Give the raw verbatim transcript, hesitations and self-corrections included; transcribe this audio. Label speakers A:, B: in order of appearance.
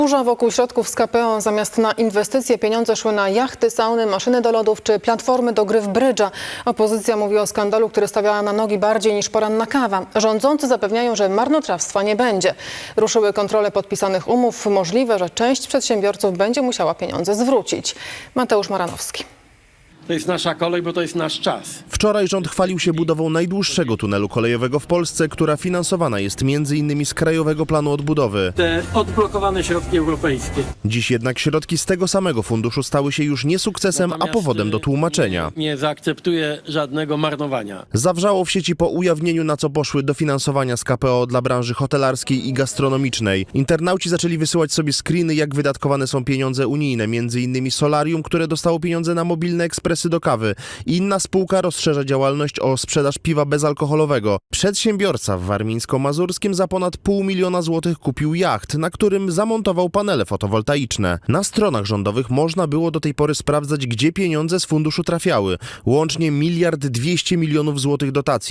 A: Burza wokół środków z K P O. Zamiast na inwestycje pieniądze szły na jachty, sauny, maszyny do lodów czy platformy do gry w brydża. Opozycja mówi o skandalu, który stawiała na nogi bardziej niż poranna kawa. Rządzący zapewniają, że marnotrawstwa nie będzie. Ruszyły kontrole podpisanych umów. Możliwe, że część przedsiębiorców będzie musiała pieniądze zwrócić. Mateusz Maranowski.
B: To jest nasza kolej, bo to jest nasz czas.
C: Wczoraj rząd chwalił się budową najdłuższego tunelu kolejowego w Polsce, która finansowana jest między innymi z Krajowego Planu Odbudowy.
B: Te odblokowane środki europejskie.
C: Dziś jednak środki z tego samego funduszu stały się już nie sukcesem, a
B: Natomiast
C: powodem do tłumaczenia.
B: Nie, nie zaakceptuję żadnego marnowania.
C: Zawrzało w sieci po ujawnieniu, na co poszły dofinansowania z K P O dla branży hotelarskiej i gastronomicznej. Internauci zaczęli wysyłać sobie screeny, jak wydatkowane są pieniądze unijne, między innymi Solarium, które dostało pieniądze na mobilne ekspresy do kawy. Inna spółka rozszerza działalność o sprzedaż piwa bezalkoholowego. Przedsiębiorca w warmińsko-mazurskim za ponad pół miliona złotych kupił jacht, na którym zamontował panele fotowoltaiczne. Na stronach rządowych można było do tej pory sprawdzać, gdzie pieniądze z funduszu trafiały. Łącznie miliard dwieście milionów złotych dotacji.